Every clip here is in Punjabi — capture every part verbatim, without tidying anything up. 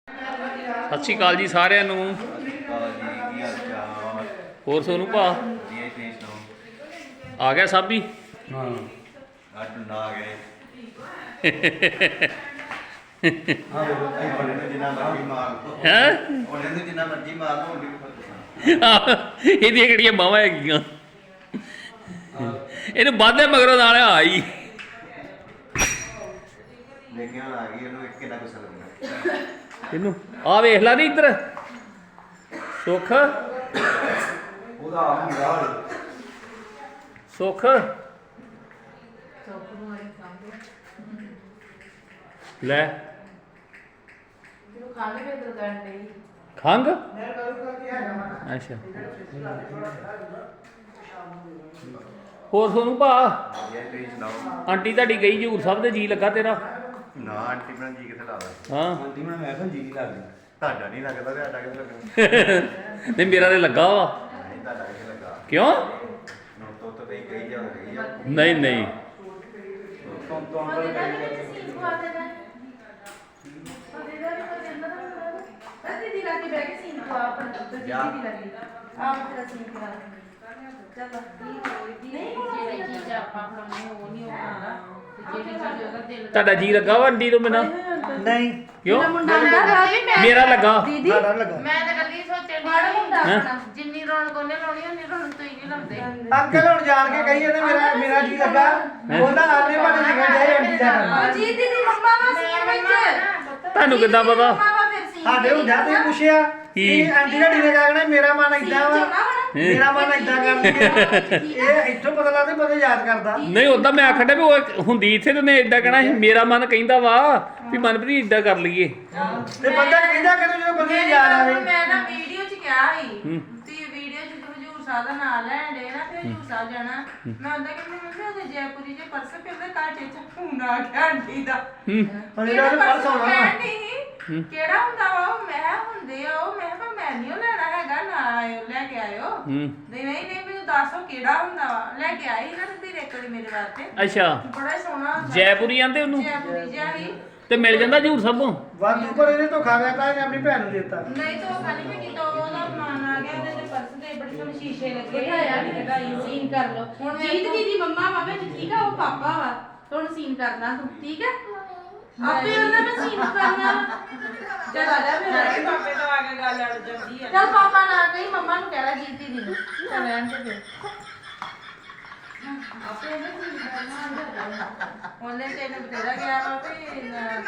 ਸਤਿ ਸ਼੍ਰੀ ਅਕਾਲ ਜੀ ਸਾਰਿਆਂ ਨੂੰ। ਹੋਰ ਸੋਨੂੰ ਭਾ ਆ ਗਿਆ ਸਾਬੀ? ਹਾਂ ਆ ਟੁੰਡਾ ਆ ਗਏ ਹਾਂ ਉਹਨੇ ਨੂੰ ਜਿੰਨਾ ਮਰਜ਼ੀ ਮਾਰ ਲਓ ਹੈਂ ਉਹਨੇ ਨੂੰ ਜਿੰਨਾ ਮਰਜ਼ੀ ਮਾਰ ਲਓ ਉਹਦੀ ਵੀ ਫਰਕ ਇਹਦੀਆਂ ਕਿਹੜੀਆਂ ਬਾਹਾਂ ਹੈਗੀਆਂ? ਇਹਨੂੰ ਬਾਧੇ ਮਗਰੋਂ ਨਾਲ ਆਈ ਲੇਕਿਨ ਆ ਗਈ ਉਹਨੂੰ ਇੱਕ ਕਿੰਨਾ ਗੁੱਸਾ ਲੱਗਣਾ ਇਹਨੂੰ ਆ ਵੇਖ ਲਾ ਨੀ ਇੱਧਰ ਸੁੱਖ ਉਹਦਾ ਆ ਮੁੰਡਾ ਸੁੱਖ ਲੈ ਖੰਗ ਅੱਛਾ ਹੋਰ ਸੋਨੂੰ ਭਾ ਵਧੀਆ ਤੁਸੀਂ ਸੁਣਾਓ ਆਂਟੀ ਤੁਹਾਡੀ ਗਈ ਹਜ਼ੂਰ ਸਾਹਿਬ ਦੇ ਜੀ ਲੱਗਾ ਤੇਰਾ? ਨਾ ਆਂਟੀ ਬਣਾ ਜੀ ਕਿੱਥੇ ਲਾਦਾ ਹਾਂ ਆਂਟੀ ਮੈਂ ਮੈਂ ਕਿਹਾ ਜੀ ਨਹੀਂ ਲੱਗਦੀ ਤੁਹਾਡਾ ਨਹੀਂ ਲੱਗਦਾ ਤੇ ਆਟਾ ਕਿੱਥੇ ਲੱਗਣਾ ਨਹੀਂ ਮੇਰਾ ਤੇ ਲੱਗਾ ਵਾ। ਨਹੀਂ ਤੁਹਾਡਾ ਕਿੱਥੇ ਲੱਗਾ ਕਿਉਂ? ਨੋ ਤੋ ਤਾਂ ਨਹੀਂ ਕਹੀ ਜਾ ਰਹੀ ਆ ਨਹੀਂ ਨਹੀਂ ਤੋਂ ਤੋਂ ਅੰਦਰ ਤੁਹਾਡਾ ਜੀ ਲੱਗਾ ਵਾ ਆਂਟੀ ਤੋਂ ਬਿਨਾਂ? ਨਹੀਂ ਕਿਉਂ? ਮੇਰਾ ਮੇਰਾ ਲੱਗਾ। ਸਾਡਾ ਲੱਗਾ ਮੈਂ ਤਾਂ ਕੱਲੀ ਸੋਚਣ ਮਾੜਾ ਮੁੰਡਾ ਹੈਂ? ਆਪਣਾ। ਜਿੰਨੀ ਰੌਣਕ ਉਹਨੇ ਲਾਉਣੀ ਉਨੀ ਰੌਣਕ ਤੁਸੀਂ ਨਹੀਂ ਲਾਉਂਦੇ। ਅੰਕਲ ਹੁਣ ਜਾਣ ਕੇ ਕਹੀ ਜਾਂਦੇ ਮੇਰਾ ਮੇਰਾ ਜੀ ਲੱਗਾ ਉਹਦਾ ਆਨੇ ਬਾਰੇ ਲਿਖਣ ਜਾਏ ਆਂਟੀ ਦਾ ਕੰਮ। ਜੀ ਦੀਦੀ ਮੰਮਾ ਵਾ ਸੀਨ ਵਿੱਚ ਤੁਹਾਨੂੰ ਕਿੱਦਾਂ ਪਤਾ? ਮੰਮਾ ਵਾ ਫਿਰ ਸੀਨ ਸਾਡੇ ਹੁੰਦਾ ਤੁਸੀਂ ਪੁੱਛਿਆ ਕੀ? ਕਿ ਆਂਟੀ ਦਾ ਡੀਨੇ ਕਹਿਣਾ ਮੇਰਾ ਮਨ ਇਦਾਂ ਵਾ ਮੇਰਾ ਮਨ ਇਦਾਂ ਕਰਦੀ ਹੈ ਇਹ ਇੱਥੋਂ ਪਤਾ ਲੱਗਦਾ ਬੰਦਾ ਯਾਦ ਕਰਦਾ ਨਹੀਂ ਉਦਾਂ ਮੈਂ ਆਖਣ ਡਿਆ ਵੀ ਉਹ ਹੁੰਦੀ ਇੱਥੇ ਤੇ ਉਹਨੇ ਏਦਾਂ ਕਹਿਣਾ ਸੀ ਮੇਰਾ ਮਨ ਕਹਿੰਦਾ ਵਾ ਵੀ ਮਨਪ੍ਰੀਤ ਏਦਾਂ ਕਰ ਲਈਏ। ਤੇ ਬੰਦਾ ਕਹਿੰਦਾ ਕਿ ਜਦੋਂ ਬੰਦੇ ਨੂੰ ਯਾਦ ਆਵੇ ਮੈਂ ਨਾ ਵੀਡੀਓ ਚ ਕਿਹਾ ਸੀ ਹੂੰ। ਤੇ ਵੀਡੀਓ ਚ ਤੂੰ ਹਜੂਰ ਸਾਹਿਬ ਦਾ ਨਾਮ ਲੈਣ ਦੇ ਨਾ ਫਿਰ ਹਜੂਰ ਸਾਹਿਬ ਜਾਣਾ ਮੈਂ ਉਹਦਾ ਕਿ ਮੰਮੀ ਉਹਦੇ ਜੈਪੁਰੀ ਦੇ ਪਰਸ ਫਿਰ ਉਹਦੇ ਘਰ ਚ ਫੋਨ ਆ ਗਿਆ ਆਂਟੀ ਦਾ ਹੂੰ ਹੁਣ ਇਹਦਾ ਪਰਸ ਹੋਣਾ ਵਾ। ਵਾ ਕਿਹੜਾ ਹੁੰਦਾ ਵਾ ਉਹ ਮੈਂ ਹੁੰਦੇ ਆ ਉਹ ਮੈਂ ਕਿਹਾ ਮੈਂ ਨਹੀਂ ਉਹ ਲੈਣਾ ਹੈਗਾ ਨਾ ਆਇਓ ਲੈ ਕੇ ਆਇਓ ਹੂੰ ਨਹੀਂ ਨਹੀਂ ਨਹੀਂ ਮੈਨੂੰ ਦੱਸੋ ਕਿਹੜਾ ਹੁੰਦਾ ਵਾ ਲੈ ਕੇ ਆਈ ਨਾ ਤੇ ਰੇਕੜੀ ਮੇਰੇ ਵਾਸਤੇ ਅੱਛਾ ਬੜਾ ਹੀ ਸੋਹਣਾ ਹੁੰਦਾ ਜੈਪੁਰੀ ਆਂਦੇ ਉਹਨੂੰ ਜੈਪੁਰੀ ਜਿਹਾ ਹੀ ਤੇ ਮਿਲ ਜਾਂਦਾ ਹਜ਼ੂਰ ਸਾਹਿਬੋਂ? ਵਾਧੂ ਪਰ ਇਹਨੇ ਧੋਖਾ ਕਰਤਾ ਇਹਨੇ ਆਪਣੀ ਭੈਣ ਨੂੰ ਦਿੱਤਾ ਨਹੀਂ ਤਾਂ ਉਹ ਖਾਲੀ ਮੈਂ ਕੀਤਾ ਉਹਦਾ ਮਾਨ ਆ ਗਿਆ ਤੇ ਪਰਸ ਤੇ ਬੜੇ ਸੋਹਣੇ ਸ਼ੀਸ਼ੇ ਲੱਗੇ ਬਿਠਾਇਆ ਨਹੀਂ ਕਢਾਈ ਸੀਨ ਕਰ ਲਓ ਹੁਣ ਜੀਤ ਦੀਦੀ ਮੰਮਾ ਵਾ ਵਿੱਚ ਠੀਕ ਆ ਉਹ ਪਾਪਾ ਵਾ ਹੁਣ ਸੀਨ ਕਰਨਾ ਤੂੰ ਠੀਕ ਹੈ ਆਪੇ ਉਹਨਾਂ ਨੇ ਸੀਨ ਕਰਨਾ ਚੱਲ ਆ ਜਾ ਫਿਰ ਪਾਪੇ ਤੋਂ ਆ ਕੇ ਗੱਲ ਅੜ ਜਾਂਦੀ ਆ ਚੱਲ ਪਾਪਾ ਨਾ ਕਹੀ ਮੰਮਾ ਨੂੰ ਕਹਿ ਜੀਤ ਦੀਦੀ ਨੂੰ ਚੱਲ ਰਹਿਣ ਤੇ ਫਿਰ ਆਪੇ ਉਹਨੇ ਸੀਨ ਕਰਨਾ ਉਹਨੇ ਤੇ ਇਹਨੇ ਬਤੇਰਾ ਗਿਆ ਵਾ ਤੇ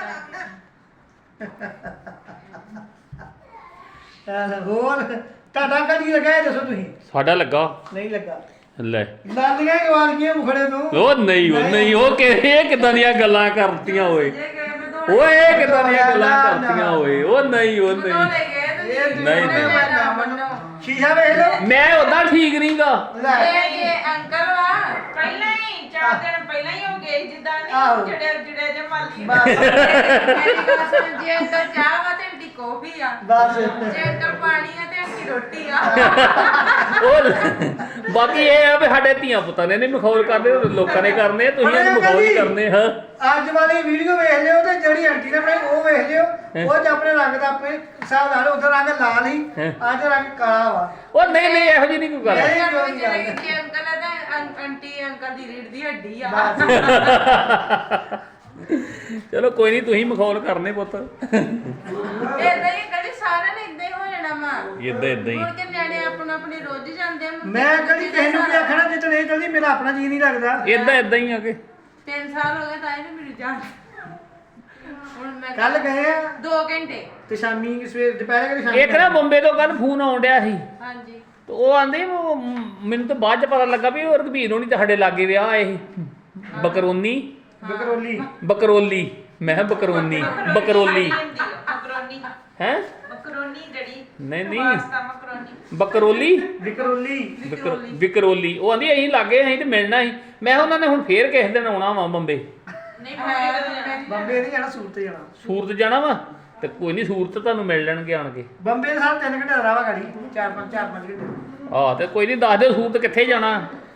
ਐ ਹੋਰ ਤੁਹਾਡਾ ਕਦੀ ਲੱਗਾ ਇਹ ਦੱਸੋ ਤੁਸੀਂ ਸਾਡਾ ਲੱਗਾ ਨਹੀਂ ਲੱਗਾ ਲੈ ਲਾਲੀਆਂ ਹੀ ਵਾਲੀਆਂ ਮੁਖੜੇ ਨੂੰ ਉਹ ਨਹੀਂ ਉਹ ਨਹੀਂ ਉਹ ਕਿ ਇਹ ਕਿਦਾਂ ਦੀਆਂ ਗੱਲਾਂ ਕਰਤੀਆਂ ਓਏ ਜੇ ਗਏ ਮੈਂ ਦੋ ਓਏ ਇਹ ਕਿਦਾਂ ਦੀਆਂ ਗੱਲਾਂ ਕਰਤੀਆਂ ਓਏ ਉਹ ਨਹੀਂ ਉਹ ਲੈ ਨਹੀਂ ਗਏ ਤੇ ਇਹ ਨਹੀਂ, ਨਹੀਂ। ਸ਼ੀਸ਼ਾ ਵੇਖ ਲਓ ਮੈਂ ਉਦਾਂ ਠੀਕ ਨਹੀਂਗਾ। ਲੈ ਇਹ ਇਹ ਅੰਕਲ ਵਾ ਪਹਿਲਾਂ ਹੀ ਚਾਰ ਦਿਨ ਪਹਿਲਾਂ ਹੀ ਹੋ ਗਏ ਜਿੱਦਾਂ ਆਹੋ। ਨਹੀਂ ਜਿਹੜੇ ਜਿਹੜੇ ਜੇ ਮਾਲੀ ਬਸ ਮੇਰੀ ਗੱਲ ਸੁਣ ਜੇ ਅੰਕਲ ਚਾਹ ਵਾ ਤੇ ਅੰਟੀ ਕੌਫੀ ਆ ਬਸ ਜੇ ਅੰਕਲ ਪਾਣੀ ਆ ਤੇ ਅੰਟੀ ਰੋਟੀ ਆ ਉਹ ਬਾਕੀ ਇਹ ਆ ਵੀ ਸਾਡੇ ਧੀਆਂ ਪੁੱਤਾਂ ਨੇ ਨਹੀਂ ਮਖੌਲ ਕਰਦੇ ਲੋਕਾਂ ਨੇ ਕਰਨੇ ਤੁਸੀਂ ਇਹਨੂੰ ਮਖੌਲ ਹੀ ਕਰਨੇ ਹਾਂ। ਅੱਜ ਵਾਲੀ ਵੀਡੀਓ ਵੇਖ ਲਿਓ ਤੇ ਜਿਹੜੀ ਆਂਟੀ ਨੇ ਬਣਾਈ ਉਹ ਵੇਖ ਲਿਓ ਉਹ ਚ ਆਪਣੇ ਰੰਗ ਦਾ ਆਪਣੇ ਹਿਸਾਬ ਨਾਲ ਉਧਰ ਰੰਗ ਲਾਲ ਹੀ ਅੱਜ ਰੰਗ ਕਾਲਾ ਵਾ ਉਹ ਨਹੀਂ ਨਹੀਂ ਇਹੋ ਜਿਹੀ ਨਹੀਂ ਕੋਈ ਗੱਲ। ਨਹੀਂ, ਅੰਕਲ ਕੋਈ ਗੱਲ ਨਹੀਂ। ਜੇ ਅੰਕਲ ਆ ਤਾਂ ਆਂ- ਆਂਟੀ ਅੰਕਲ ਦੀ ਰੀੜ ਦੀ ਹੱਡੀ ਆ ਚਲੋ ਕੋਈ ਨਹੀਂ ਤੁਸੀਂ ਮਖੌਲ ਕਰਨੇ ਪੁੱਤ। ਏਦਾਂ ਹੀ ਕਦੀ ਸਾਰਿਆਂ ਨੇ ਏਦਾਂ ਹੀ ਹੋ ਜਾਣਾ ਵਾ ਇਦਾਂ ਇਦਾਂ ਹੀ ਮੁੜ ਕੇ ਨਿਆਣੇ ਆਪਣਾ ਆਪਣੀ ਰੋਜ਼ ਜਾਂਦੇ ਆ ਮੈਂ ਕਦੀ ਕਿਸੇ ਨੂੰ ਕੀ ਆਖਣਾ ਜਿੱਦਣ ਇਹ ਚਲਦੀ ਮੇਰਾ ਆਪਣਾ ਜੀ ਨਹੀਂ ਲੱਗਦਾ ਇਦਾਂ ਇਦਾਂ ਹੀ ਆ ਕੇ ਤਿੰਨ ਸਾਲ ਹੋ ਗਏ ਤਾਂ ਇਹਨੂੰ ਮੇਰੀ ਜਾਨ ਹੁਣ ਮੈਂ ਕੱਲ ਗਏ ਆ ਦੋ ਘੰਟੇ ਤੇ ਸ਼ਾਮੀ ਸਵੇਰ ਦੁਪਹਿਰੇ ਕਿ ਸ਼ਾਮੀ ਇੱਕ ਨਾ ਬੰਬੇ ਤੋਂ ਕੱਲ ਫੋਨ ਆਉਣ ਡਿਆ ਸੀ ਹਾਂਜੀ ਤੇ ਉਹ ਆਂਦੇ ਉਹ ਮੈਨੂੰ ਤਾਂ ਬਾਅਦ ਚ ਪਤਾ ਲੱਗਾ ਵੀ ਉਹ ਰਘਬੀਰ ਹੋਣੀ ਤੁਹਾਡੇ ਲਾਗੇ ਵਿਆਹ ਆਏ ਸੀ ਬਕਰੋਨੀ ਬਕਰੋਲੀ ਬਕਰੋਲੀ ਮੈਂ ਕਿਹਾ ਬਕਰੋਨੀ ਬਕਰੋਲੀ ਮਕਰੋਨੀ ਹੈ ਮਕਰੋਨੀ ਜਿਹੜੀ ਨਹੀਂ ਨਹੀਂ ਪਾਸਤਾ ਮਕਰੋਨੀ ਬਕਰੋਲੀ ਬਕਰੋਲੀ ਵਿਕਰ- ਵਿਕਰੋਲੀ ਉਹ ਆਂਦੀ ਅਸੀਂ ਲਾਗੇ ਅਸੀਂ ਤੇ ਮਿਲਣਾ ਸੀ ਮੈਂ ਕਿਹਾ ਉਹਨਾਂ ਨੇ ਹੁਣ ਫੇਰ ਕਿਸੇ ਦਿਨ ਆਉਣਾ ਵਾ ਬੰਬੇ ਨਹੀਂ ਮੈਂ ਬੰਬੇ ਨਹੀਂ ਜਾਣਾ ਸੂਰਤ ਜਾਣਾ ਸੂਰਤ ਜਾਣਾ ਵਾ ਤੇ ਕੋਈ ਨਹੀਂ ਸੂਰਤ ਤੁਹਾਨੂੰ ਮਿਲ ਲੈਣਗੇ ਆਣ ਕੇ। ਬੰਬੇ ਦਾ ਸਾਲ ਤਿੰਨ ਘੰਟੇ ਦਾ ਰਾਹ ਵਾ ਗਾੜੀ ਚਾਰ ਪੰਜ ਚਾਰ ਪੰਜ ਘੰਟੇ ਆਹ ਤੇ ਕੋਈ ਨਹੀਂ ਦੱਸ ਦਿਓ ਸੂਰਤ ਕਿੱਥੇ ਜਾਣਾ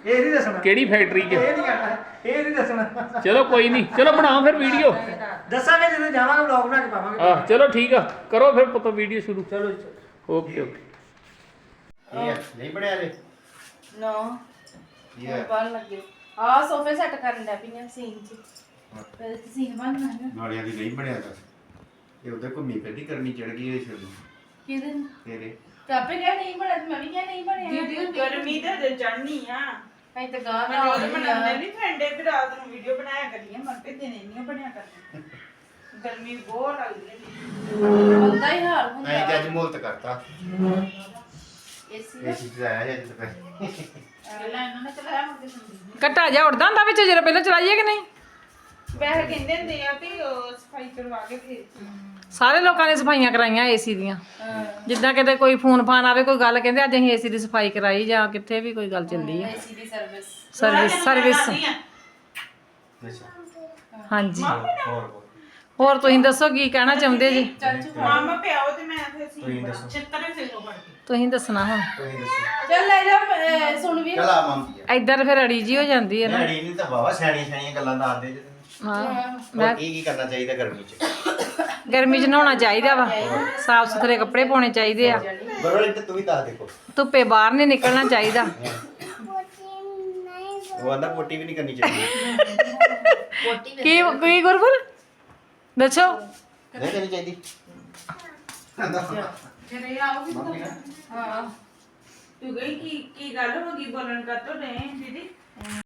ਇਹ ਨਹੀਂ ਦੱਸਣਾ ਕਿਹੜੀ ਫੈਕਟਰੀ 'ਚ ਇਹ ਨਹੀਂ ਕਹਿਣਾ ਇਹ ਨਹੀਂ ਦੱਸਣਾ ਚਲੋ ਕੋਈ ਨਹੀਂ ਚਲੋ ਬਣਾਓ ਫਿਰ ਵੀਡੀਓ ਦੱਸਾਂਗੇ ਜਦੋਂ ਜਾਵਾਂਗੇ ਵਲੌਗ ਬਣਾ ਕੇ ਪਾਵਾਂਗੇ ਆਹ ਚਲੋ ਠੀਕ ਆ ਕਰੋ ਫਿਰ ਪੁੱਤ ਵੀਡੀਓ ਸ਼ੁਰੂ ਚਲੋ ਜੀ ਚਲੋ। ਓਕੇ ਓਕੇ ਇਹ ਆ, ਨਹੀਂ ਬਣਿਆ ਜੇ ਨੋ ਇਹ ਆ। ਬਣ ਲੱਗੇ ਆ ਸੋਫੇ ਸੈੱਟ ਕਰਨ ਦਾ ਪਈਆਂ ਸੀਨ ਚ ਪਹਿਲੇ ਤੇ ਸੀਨ ਬਣਨਾ ਹੈ ਨਾਲਿਆਂ ਦੀ ਨਹੀਂ ਬਣਿਆ ਤਾਂ ਇਹ ਉਹਦੇ ਘੁੰਮੀ ਫਿਰਦੀ ਕਰਨੀ ਚੜ ਗਈ ਇਹ ਸ਼ੁਰੂ ਕਿਹਦੇ ਤੇਰੇ ਤੇ ਆਪੇ ਕਿਹਾ ਨਹੀਂ ਬਣਿਆ ਤੇ ਮੈਂ ਵੀ ਕਿਹਾ ਨਹੀਂ ਬਣਿਆ ਦੀਦੀ ਗਰਮੀ ਤੇ ਦੇ ਚੜਨੀ ਆ ਅਸੀਂ ਤਾਂ ਗਾਹ ਮੈਂ ਰੋਜ਼ ਬਣਾਉਂਦੇ ਨਹੀਂ ਠੰਡੇ ਵੀ ਰਾਤ ਨੂੰ ਵੀਡੀਓ ਬਣਾਇਆ ਕਰੀਏ ਮਰ ਕੇ ਦਿਨੇ ਨਹੀਂ ਬਣਿਆ ਕਰਨੀ ਗਰਮੀ ਬਹੁਤ ਲੱਗਦੀ ਹੈ ਬੰਦਾ ਹੀ ਹਾਰ ਨਹੀਂ ਤੇ ਹੁੰਦਾ ਅੱਜ ਮੁਲਤ ਕਰਤਾ ਏਸੀ ਇਹ ਚੀਜ਼ ਆਇਆ ਅੱਜ ਤੱਕ ਪਹਿਲਾਂ ਇਹਨਾਂ ਨੇ ਚਲਾਇਆ ਮੁੱਕੇ ਸੰਦੀ ਘਟਾ ਜਾ ਉੜਦਾ ਹੁੰਦਾ ਵਿੱਚ ਜਦੋਂ ਪਹਿਲਾਂ ਚਲਾਈਏ ਕਿ ਨਹੀਂ ਵੈਸੇ ਕਹਿੰਦੇ ਹੁੰਦੇ ਆ ਵੀ ਉਹ ਸਫਾਈ ਕਰਵਾ ਕੇ ਫੇਰ ਸਾਰੇ ਲੋਕਾਂ ਨੇ ਸਫਾਈਆਂ ਕਰਾਈਆਂ ਏਸੀ ਦੀਆਂ ਜਿੱਦਾਂ ਕਿਤੇ ਕੋਈ ਫੋਨ ਫਾਨ ਆਵੇ ਕੋਈ ਗੱਲ ਕਹਿੰਦੇ ਅੱਜ ਅਸੀਂ ਏਸੀ ਦੀ ਸਫਾਈ ਕਰਾਈ ਜਾਂ ਕਿੱਥੇ ਵੀ ਕੋਈ ਗੱਲ ਚੱਲਦੀ ਆ ਏਸੀ ਦੀ ਸਰਵਿਸ ਸਰਵਿਸ ਸਰਵਿਸ ਅੱਛਾ ਹਾਂਜੀ ਹੋਰ ਹੋਰ ਤੁਸੀਂ ਦੱਸੋ ਕੀ ਕਹਿਣਾ ਚਾਹੁੰਦੇ ਜੀ ਮਾਮਾ ਪਿਆਓ ਤੇ ਮੈਂ ਫਿਰ ਸੀ ਤੁਸੀਂ ਦੱਸੋ ਚਿੱਤਰੇ ਫੇਰੋ ਫੜ ਕੇ ਤੁਸੀਂ ਦੱਸਣਾ ਹੁਣ ਤੁਸੀਂ ਦੱਸੋ ਚੱਲ ਲੈ ਜਾ ਅਹ ਸੁਣ ਵੀ ਚਲ ਆ ਮੰਮੀ ਇੱਧਰ ਫਿਰ ਅੜੀ ਜੀ ਹੋ ਜਾਂਦੀ ਹੈ ਨਾ ਡੈਡੀ ਨਹੀਂ ਤਾਂ ਵਾਵਾ ਸਿਆਣੀਆਂ ਸਿਆਣੀਆਂ ਗੱਲਾਂ ਦੱਸਦੇ ਜੇ ਹਾਂ ਮੈਂ ਕੀ ਕੀ ਕਰਨਾ ਚਾਹੀਦਾ ਗਰਮੀ ਚ ਗਰਮੀ 'ਚ ਨਹਾਉਣਾ ਚਾਹੀਦਾ ਵਾ ਸਾਫ ਸੁਥਰੇ ਕੱਪੜੇ ਪਾਉਣੇ ਚਾਹੀਦੇ ਆ ਬਰੋਲੀ ਤੇ ਤੂੰ ਵੀ ਦੱਸ ਦੇਖੋ ਧੁੱਪੇ ਬਾਹਰ ਨਹੀਂ ਨਿਕਲਣਾ ਚਾਹੀਦਾ ਉਹ ਆਂਦਾ ਪੋਟੀ ਵੀ ਨਹੀਂ ਕਰਨੀ ਚਾਹੀਦੀ ਕੀ ਕੀ ਗੁਰਬੁਲ ਦੱਸੋ ਨਹੀਂ ਕਰਨੀ ਚਾਹੀਦੀ ਜਿਹੜੇ ਆਓਗੇ ਹਾਂ ਤੂੰ ਗਈ ਕੀ ਕੀ ਗੱਲ ਹੋ ਗਈ ਬੋਲਣ ਕਰ ਤੋ ਨਹੀਂ ਦੀਦੀ